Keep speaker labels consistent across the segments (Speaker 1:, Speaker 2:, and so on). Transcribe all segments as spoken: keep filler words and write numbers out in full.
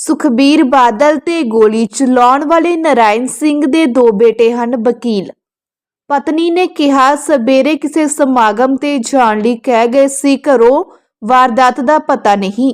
Speaker 1: ਸੁਖਬੀਰ ਬਾਦਲ ਤੇ ਗੋਲੀ ਚਲਾਉਣ ਵਾਲੇ ਨਾਰਾਇਣ ਸਿੰਘ ਦੇ ਦੋ ਬੇਟੇ ਹਨ ਵਕੀਲ। ਪਤਨੀ ਨੇ ਕਿਹਾ ਸਵੇਰੇ ਕਿਸੇ ਸਮਾਗਮ ਤੇ ਜਾਣ ਲਈ ਕਹਿ ਗਏ ਸੀ, ਘਰੋਂ ਵਾਰਦਾਤ ਦਾ ਪਤਾ ਨਹੀਂ।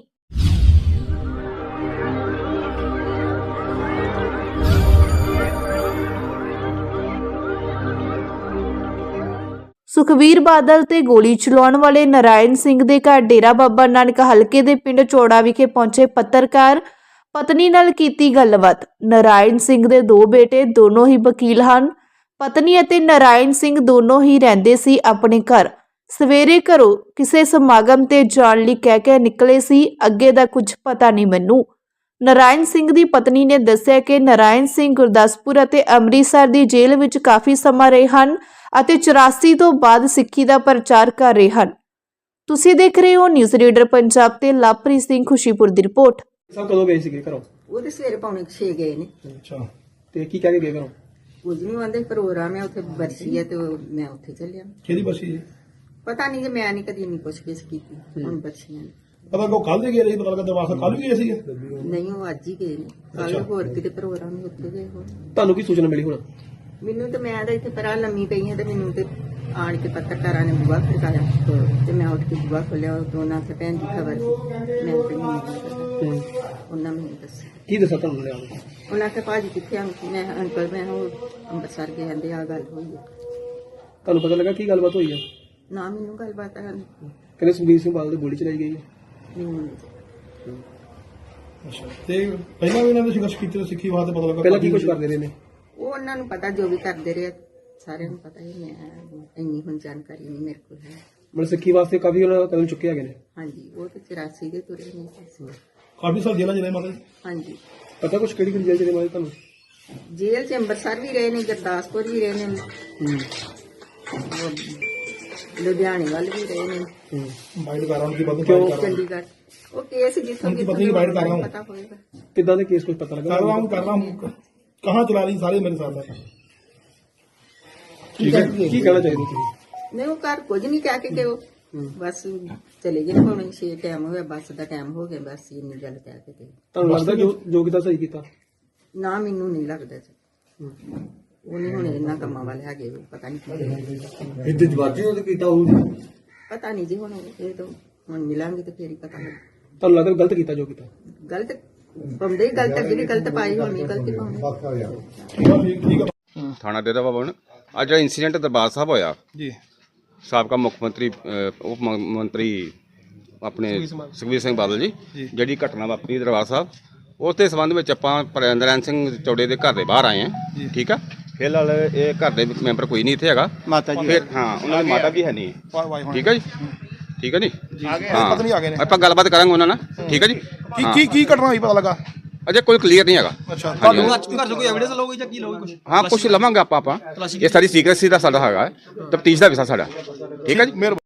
Speaker 1: ਸੁਖਬੀਰ ਬਾਦਲ ਤੇ ਗੋਲੀ ਚਲਾਉਣ ਵਾਲੇ ਨਾਰਾਇਣ ਸਿੰਘ ਦੇ ਘਰ ਡੇਰਾ ਬਾਬਾ ਨਾਨਕ ਹਲਕੇ ਦੇ ਪਿੰਡ ਚੋੜਾ ਵਿਖੇ ਪਹੁੰਚੇ ਪੱਤਰਕਾਰ ਪਤਨੀ ਨਾਲ ਕੀਤੀ ਗੱਲਬਾਤ। ਨਾਰਾਇਣ ਸਿੰਘ ਦੇ ਦੋ ਬੇਟੇ ਦੋਨੋਂ ਹੀ ਵਕੀਲ ਹਨ। ਪਤਨੀ ਅਤੇ ਨਾਰਾਇਣ ਸਿੰਘ ਦੋਨੋਂ ਹੀ ਰਹਿੰਦੇ ਸੀ ਆਪਣੇ ਘਰ। ਸਵੇਰੇ ਘਰੋਂ ਕਿਸੇ ਸਮਾਗਮ ਤੇ ਜਾਣ ਲਈ ਕਹਿ ਕੇ ਨਿਕਲੇ ਸੀ, ਅੱਗੇ ਦਾ ਕੁਝ ਪਤਾ ਨਹੀਂ ਮੈਨੂੰ। ਨਾਰਾਇਣ ਸਿੰਘ ਦੀ ਪਤਨੀ ਨੇ ਦੱਸਿਆ ਕਿ ਨਾਰਾਇਣ ਸਿੰਘ ਗੁਰਦਾਸਪੁਰ ਅਤੇ ਅੰਮ੍ਰਿਤਸਰ ਦੀ ਜੇਲ੍ਹ ਵਿੱਚ ਕਾਫੀ ਸਮਾਂ ਰਹੇ ਹਨ ਅਤੇ ਚੁਰਾਸੀ ਤੋਂ ਬਾਅਦ ਸਿੱਖੀ ਦਾ ਪ੍ਰਚਾਰ ਕਰ ਰਹੇ ਹਨ। ਤੁਸੀਂ ਦੇਖ ਰਹੇ ਹੋ ਨਿਊਜ਼ ਰੀਡਰ ਪੰਜਾਬ ਤੇ ਲਵਪ੍ਰੀਤ ਸਿੰਘ ਖੁਸ਼ੀਪੁਰ ਦੀ ਰਿਪੋਰਟ।
Speaker 2: ਸਭ ਕਦੋਂ ਗਏ ਸੀਗੇ ਘਰੋਂ?
Speaker 3: ਉਹ ਤੇ ਸਵੇਰੇ ਪੌਣੇ ਛੇ ਗਏ ਨੇ।
Speaker 2: ਅੱਛਾ, ਤੇ ਕੀ ਕਹਿ ਕੇ ਗਏ ਘਰੋਂ?
Speaker 3: ਕੁਝ ਨਹੀਂ ਆਂਦੇ, ਪ੍ਰੋਗਰਾਮ ਹੈ ਉੱਥੇ, ਬਰਸੀ ਹੈ ਤੇ ਉਹ- ਮੈਂ ਉੱਥੇ ਚੱਲਿਆ।
Speaker 2: ਕਿਹਦੀ ਬਸੀ ਜੀ?
Speaker 3: ਪਤਾ ਨਹੀਂ ਕਿ ਮੈਂ ਨਹੀਂ ਕਦੀ ਨਹੀਂ ਪੁੱਛ ਗਿੱਛ ਕੀਤੀ। ਹੁਣ ਬਰਸੀਆਂ ਨੇ।
Speaker 2: ਪਤਾ ਕੋ ਕੱਲ ਦੇ ਗਏ ਰਹੀ, ਪਤਾ ਲੱਗਾ ਦਰਵਾਜ਼ਾ ਕੱਲ ਵੀ ਗਏ ਸੀਗੇ।
Speaker 3: ਨਹੀਂ, ਉਹ ਅੱਜ ਹੀ ਗਏ ਨੇ। ਕੱਲ ਹੋਰ ਕਿਤੇ ਪ੍ਰੋਗਰਾਮ ਹੀ ਉੱਥੇ ਗਏ ਹੋਣ।
Speaker 2: ਤੁਹਾਨੂੰ ਕੀ ਸੂਚਨਾ ਮਿਲੀ ਹੁਣ?
Speaker 3: ਮੈਨੂੰ ਤਾਂ ਮੈਂ ਤਾਂ ਇੱਥੇ ਪਰਾਂ ਲੰਮੀ ਪਈ ਹਾਂ ਤੇ ਮੈਨੂੰ ਤੇ ਆਣ ਕੇ ਪੱਤਰਕਾਰਾਂ ਨੇ ਬੁਆ ਖੜਕਾਇਆ ਤੇ ਮੈਂ ਉੱਠ ਕੇ ਬੁਆ ਖੋਲਿਆ। ਦੋਨਾਂ ਤੇ ਭੈਣ ਦੀ ਖਬਰ ਸੀ। ਮੈਂ ਤੇ ਨਹੀਂ ਪਤਾ। ਉਹਨਾਂ ਮੈਨੂੰ ਦੱਸਿਆ।
Speaker 2: ਕੀ ਦੱਸਾਂ ਤੁਹਾਨੂੰ ਲਿਆ?
Speaker 3: ਉਹਨਾਂ ਕੇ ਭਾਜੀ ਕਿੱਥੇ ਆਂ? ਮੈਂ ਅੰਕਲ ਮੈਂ ਉਹ ਅੰਮ੍ਰਿਤਸਰ ਗਏ ਕਹਿੰਦੇ ਆ ਗੱਲ ਹੋਈ ਹੈ।
Speaker 2: ਤੁਹਾਨੂੰ ਪਤਾ ਲੱਗਾ ਕੀ ਗੱਲਬਾਤ ਹੋਈ ਹੈ?
Speaker 3: ਨਾ ਮੈਨੂੰ ਗੱਲਬਾਤ ਆ
Speaker 2: ਕਹਿੰਦੇ ਸੁਖਬੀਰ ਸਿੰਘ ਬਾਦਲ ਦੀ ਗੋਲੀ ਚਲਾਈ ਗਈ ਹੈ।
Speaker 3: ਮੈਨੂੰ
Speaker 2: ਅੱਛਾ, ਤੇ ਪਹਿਲਾਂ ਵੀ ਇਹਨਾਂ ਨੇ ਸੰਘਰਸ਼ ਕੀਤੇ ਸਿੱਖੀ ਵਾਸਤੇ, ਪਤਾ ਲੱਗਾ ਪਹਿਲਾਂ ਕੀ ਕੁਝ ਕਰਦੇ ਰਹੇ ਨੇ?
Speaker 3: ਉਹ ਉਹਨਾਂ ਨੂੰ ਪਤਾ ਜੋ ਵੀ ਕਰਦੇ ਰਹੇ, ਸਾਰਿਆਂ ਨੂੰ ਪਤਾ ਹੀ। ਮੈਂ ਇੰਨੀ ਹੁਣ ਜਾਣਕਾਰੀ ਨਹੀਂ ਮੇਰੇ ਕੋਲ ਹੈ।
Speaker 2: ਮਤਲਬ ਸਿੱਖੀ ਵਾਸਤੇ ਕਾਫੀ ਉਹਨਾਂ ਕਦਮ ਚੁੱਕੇ ਹੈਗੇ ਨੇ।
Speaker 3: ਹਾਂਜੀ, ਉਹ ਤੇ ਚੁਰਾਸੀ ਦੇ ਤੁਰੇ ਨਹੀਂ ਸੀ।
Speaker 2: ਕਾਫੀ ਸਾਲ ਜੇਲ੍ਹਾਂ ਚ ਰਹੇ ਮਾਤਾ ਜੀ?
Speaker 3: ਹਾਂਜੀ,
Speaker 2: ਪਤਾ ਕੁਝ ਕਿਹੜੀ ਕਿਹੜੀ ਜੇਲ੍ਹ ਚ ਰਹੇ ਮਾਤਾ ਜੀ ਤੁਹਾਨੂੰ?
Speaker 3: ਜੇਲ੍ਹ ਚ ਅੰਮ੍ਰਿਤਸਰ ਵੀ ਰਹੇ ਨੇ, ਗੁਰਦਾਸਪੁਰ ਵੀ ਰਹੇ ਨੇ,
Speaker 2: ਹੂੰ
Speaker 3: ਉਹ ਲੁਧਿਆਣੇ ਵੱਲ ਵੀ ਰਹੇ ਨੇ,
Speaker 2: ਹੂੰ ਬਾਈਟ ਕਰ ਰਹਾ ਹਾਂ ਕਿ ਬੰਦ
Speaker 3: ਕਿਉਂ
Speaker 2: ਕਰ ਰਹਾ
Speaker 3: ਚੰਡੀਗੜ੍ਹ। ਉਹ ਕੇਸ ਜਿੱਥੋਂ
Speaker 2: उनकी पत्नी की बाइट कर रहा हूँ।
Speaker 3: ਪਤਾ ਹੋਏਗਾ।
Speaker 2: कितना ਦੇ केस कुछ पता लगा?
Speaker 4: कर रहा हूँ कर रहा हूँ कहाँ चला रही सारे मेरे साथ है।
Speaker 2: ठीक है, की कहना चाहिए ਤੁਸੀਂ?
Speaker 3: ਨਹੀਂ, ਉਹ ਘਰ ਕੁਝ ਨਹੀਂ ਕਹਿ ਕੇ ਕਿ ਉਹ ਬਸ ਚਲੇ ਗਏ। ਹੁਣ ਛੇ ਟਾਈਮ ਹੋਇਆ, ਬੱਸ ਦਾ ਟਾਈਮ ਹੋ ਗਿਆ, ਬਸ ਇੰਨੀ ਗੱਲ ਕਹਿ ਕੇ ਤੇ
Speaker 2: ਤੁਹਾਨੂੰ ਲੱਗਦਾ ਜੋ ਜੋ ਕੀਤਾ ਸਹੀ ਕੀਤਾ?
Speaker 3: ਨਾ ਮੈਨੂੰ ਨਹੀਂ ਲੱਗਦਾ ਜੀ। ਉਹ ਨਹੀਂ ਹੁਣ ਇਹਨਾਂ ਕੰਮਾਂ ਵਾਲੇ ਹੈਗੇ, ਉਹ ਪਤਾ ਨਹੀਂ ਕੀ
Speaker 4: ਇੱਥੇ ਜਵਾਜੀ ਉਹ ਕੀਤਾ ਹੋਊ।
Speaker 3: ਪਤਾ ਨਹੀਂ ਜੀ। ਹੁਣ ਇਹ ਤਾਂ ਹੁਣ ਮਿਲਾਂਗੇ ਤੇ ਫੇਰ ਹੀ ਪਤਾ ਲੱਗ।
Speaker 2: ਤੁਹਾਨੂੰ ਲੱਗਦਾ ਗਲਤ ਕੀਤਾ ਜੋ ਕੀਤਾ?
Speaker 3: ਗਲਤ ਬੰਦੇ ਹੀ ਗਲਤ, ਅੱਗੇ ਵੀ ਗਲਤ ਪਾਈ, ਹੁਣ ਵੀ ਗਲਤੀ ਪਾਉਣੀ।
Speaker 4: ठीक है
Speaker 5: ਥਾਣਾ ਡੇਰਾ ਬਾਬਾ ਹੁਣ ਅੱਜ ਜਿਹੜਾ ਇਨਸੀਡੈਂਟ ਦਰਬਾਰ ਸਾਹਿਬ ਹੋਇਆ
Speaker 4: जी
Speaker 5: ਸਾਬਕਾ ਮੁੱਖ ਮੰਤਰੀ ਅਹ, ਉਪ ਮ- ਮੰਤਰੀ ਆਪਣੇ ਸੁਖਬੀਰ ਸਿੰਘ ਬਾਦਲ ਜੀ ਜਿਹੜੀ ਘਟਨਾ ਵਾਪਰੀ ਦਰਬਾਰ ਸਾਹਿਬ, ਉਸ ਦੇ ਸੰਬੰਧ ਵਿੱਚ ਆਪਾਂ ਨਾਰਾਇਣ ਸਿੰਘ ਚੌੜੇ ਦੇ ਘਰ ਦੇ ਬਾਹਰ ਆਏ ਹਾਂ। ਠੀਕ ਆ, ਫਿਲਹਾਲ ਇਹ ਘਰ ਦੇ ਮੈਂਬਰ ਕੋਈ ਨਹੀਂ ਇੱਥੇ ਹੈਗਾ।
Speaker 4: माता जी
Speaker 5: ਫਿਰ ਹਾਂ ਉਹਨਾਂ ਦੀ ਮਾਤਾ ਵੀ ਹੈ ਨਹੀਂ। ਠੀਕ ਹੈ ਜੀ, ਠੀਕ ਹੈ ਜੀ। ਹਾਂ,
Speaker 4: पत्नी आ गए ने।
Speaker 5: ਆਪਾਂ ਗੱਲਬਾਤ ਕਰਾਂਗੇ ਉਹਨਾਂ ਨਾਲ। ਠੀਕ ਹੈ ਜੀ।
Speaker 4: की की की घटना हुई पता लगा?
Speaker 5: ਅਜੇ ਕੋਈ ਕਲੀਅਰ ਨਹੀਂ ਹੈਗਾ।
Speaker 4: अच्छा
Speaker 5: ਹਾਂਜੀ।
Speaker 6: ਘਰ ਤੋਂ ਕੋਈ ਐਵੀਡੈਂਸ ਲਓਗੇ ਜਾਂ ਕੀ ਲਓਗੇ ਕੁਝ?
Speaker 5: ਹਾਂ, ਕੁਝ ਲਵਾਂਗੇ ਆਪਾਂ ਆਪਾਂ ਇਹ ਸਾਰੀ ਸੀਕ੍ਰੇਸੀ ਦਾ ਸਾਡਾ ਹੈਗਾ, ਤਫਤੀਸ਼ ਦਾ ਵਿਸ਼ਾ ਸਾਡਾ। ਠੀਕ ਹੈ ਜੀ।